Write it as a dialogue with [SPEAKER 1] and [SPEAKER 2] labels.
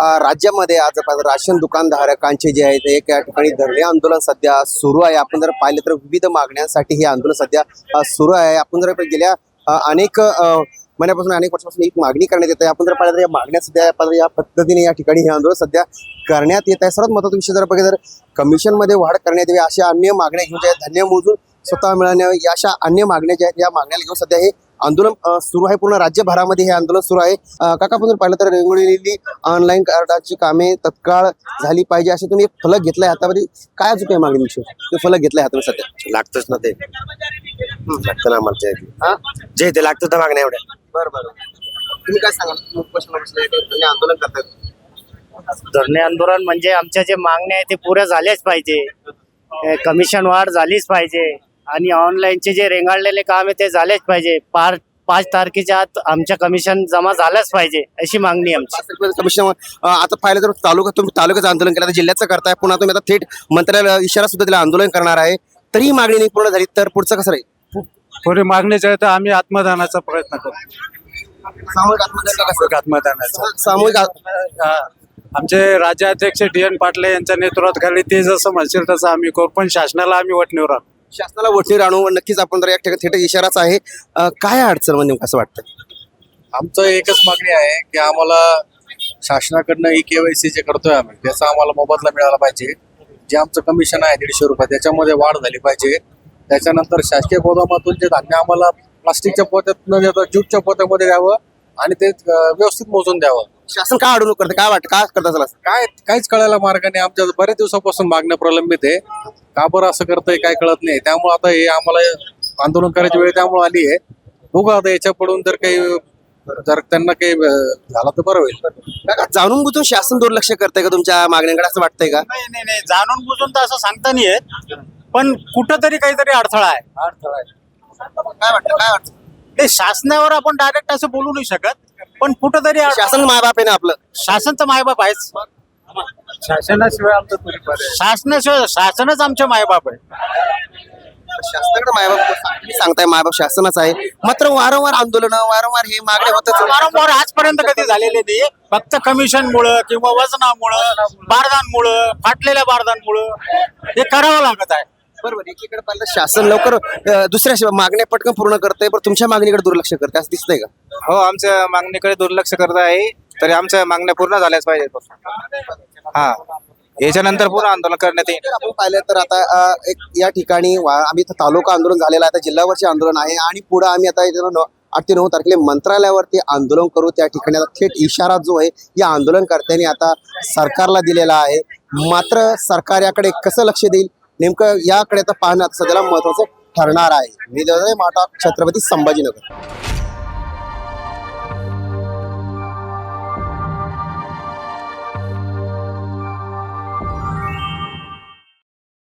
[SPEAKER 1] राज्यामध्ये आज राशन दुकानधारकांचे जे आहेत एक या ठिकाणी धरणे आंदोलन सध्या सुरू आहे। आपण जर पाहिलं तर विविध मागण्यांसाठी हे आंदोलन सध्या सुरू आहे। आपण जर गेल्या अनेक महिन्यापासून अनेक वर्षापासून एक मागणी करण्यात येत आहे। आपण जर पाहिलं तर या मागण्या सध्या या पद्धतीने या ठिकाणी हे आंदोलन सध्या करण्यात येत आहे। सर्वात महत्त्वाचा विषय जर बघितलं तर कमिशनमध्ये वाढ करण्यात यावी अशा अन्य मागण्या घेऊन ज्या धान्य मोजून स्वतः मिळणे या अशा अन्य मागण्या ज्या आहेत या मागण्याला घेऊन सध्या हे आंदोलन सुरू आहे। पूर्ण राज्यभरामध्ये हे आंदोलन सुरू आहे। काका आपण जर पाहिलं तर रेंगोळलेली ऑनलाईन कार्डाची कामे तत्काळ झाली पाहिजे असे तुम्ही एक फलक घेतलाय हातामध्ये, काय अजून काय मागणी विषय ते फलक घेतलाय हातामध्ये सध्या?
[SPEAKER 2] लागतच ना ते, लागतं ना आम्हाला जे ते लागतं तर मागण्या एवढ्या।
[SPEAKER 1] बरं तुम्ही काय सांगाल आंदोलन करतात?
[SPEAKER 3] धरणे आंदोलन म्हणजे आमच्या जे मागण्या आहेत ते पुऱ्या झाल्याच पाहिजे। कमिशन वाढ झालीच पाहिजे आणि ऑनलाईनचे जे रेंगाळलेले काम आहे ते झालेच पाहिजे। 5 तारखेच्या आत आमच्या कमिशन जमा झालंच पाहिजे अशी मागणी आमची।
[SPEAKER 1] कमिशन आता पाहिलं तर तुम्ही तालुक्याचं आंदोलन केलं, जिल्ह्याचं करताय, पुन्हा तुम्ही आता थेट मंत्र्याला इशारा सुद्धा दिला आंदोलन करणार आहे, तरी मागणी नाही पूर्ण झाली तर पुढचं कसं राहील?
[SPEAKER 4] पुढे मागणीचे आहे तर आम्ही आत्मदानाचा प्रयत्न करू।
[SPEAKER 1] सामूहिक
[SPEAKER 4] आत्मदानाचा
[SPEAKER 1] सामूहिक
[SPEAKER 4] आमचे राज्याध्यक्ष DN पाटील यांच्या नेतृत्वाखाली ते जसं म्हणतील तसं आम्ही करू, पण शासनाला आम्ही वटणीवर आणू।
[SPEAKER 1] शासनाला वठणीवर आणू नक्कीच। आपण तर एक थेट इशाराच आहे। काय अडचण म्हणजे कसं वाटतं?
[SPEAKER 5] आमचं एकच मागणी आहे की आम्हाला शासनाकडनं KYC जे करतोय आम्ही त्याचा आम्हाला मोबदला मिळाला पाहिजे। जे आमचं कमिशन आहे 150 रुपये त्याच्यामध्ये वाढ झाली पाहिजे। त्याच्यानंतर शासकीय गोदामातून जे धान्य आम्हाला प्लास्टिकच्या पोत्यात न देता ज्यूटच्या पोत्यामध्ये द्यावं आणि ते व्यवस्थित मोजून द्यावं।
[SPEAKER 1] शासन काय अडवणूक करते, काय वाटतं, काय करत असेल?
[SPEAKER 5] काहीच कळायला मार्ग नाही। आमच्या बऱ्याच दिवसापासून मागण्या प्रलंबित आहे, का बरं असं करतंय काय कळत नाही। त्यामुळे आता हे आम्हाला आंदोलन करायची वेळ त्यामुळे आली आहे। बघू आता याच्या पडून जर त्यांना काही झालं तर बरं होईल।
[SPEAKER 1] जाणून बुजून शासन दुर्लक्ष करतंय का तुमच्या मागण्यांकडे असं वाटतंय का?
[SPEAKER 3] नाही, जाणून बुजून तर असं सांगता नाही येत, पण कुठंतरी काहीतरी अडथळा आहे।
[SPEAKER 1] काय वाटतं?
[SPEAKER 3] ते शासनावर आपण डायरेक्ट असं बोलू नाही शकत, पण कुठंतरी
[SPEAKER 1] शासन मायबाप आहे ना आपलं?
[SPEAKER 3] शासनचं मायबाप आहेच।
[SPEAKER 4] शासनाशिवाय आमचं तरी पर्याय
[SPEAKER 3] शासनच आमचे मायबाप आहे।
[SPEAKER 1] शासनाकडे मायबाप तुम्ही सांगताय, मायबाप शासनच आहे, मात्र वारंवार आंदोलन वारंवार हे मागण्या होतच
[SPEAKER 3] वारंवार आजपर्यंत कधी झालेले नाही। फक्त कमिशनमुळं किंवा वजनामुळं, बारदानमुळं, फाटलेल्या बारदानमुळं हे करावं लागत आहे।
[SPEAKER 1] बरोबर। एकीकडे पाहिलं शासन लवकर दुसऱ्या मागण्या पटकन पूर्ण करतंय, पण तुमच्या मागणीकडे दुर्लक्ष करते असं दिसतंय का?
[SPEAKER 6] हो, आमच्या मागणीकडे दुर्लक्ष करत आहे, तरी आमच्या मागण्या पूर्ण झाल्याच पाहिजेत। हा, याच्यानंतर पूर्ण आंदोलन करण्यात येईल।
[SPEAKER 1] आपण पाहिलं तर आता एक या ठिकाणी आम्ही इथं तालुका आंदोलन झालेलं आहे, आता जिल्हावरचे आंदोलन आहे आणि पुढे आम्ही आता 8 ते 9 तारखेला मंत्रालयावरती आंदोलन करू। त्या ठिकाणी आता थेट इशारा जो आहे या आंदोलनकर्त्यांनी आता सरकारला दिलेला आहे, मात्र सरकार याकडे कसं लक्ष देईल नेमकं याकडे आता पाहणं सध्याला महत्वाचं ठरणार आहे। मी माटा, छत्रपती संभाजीनगर।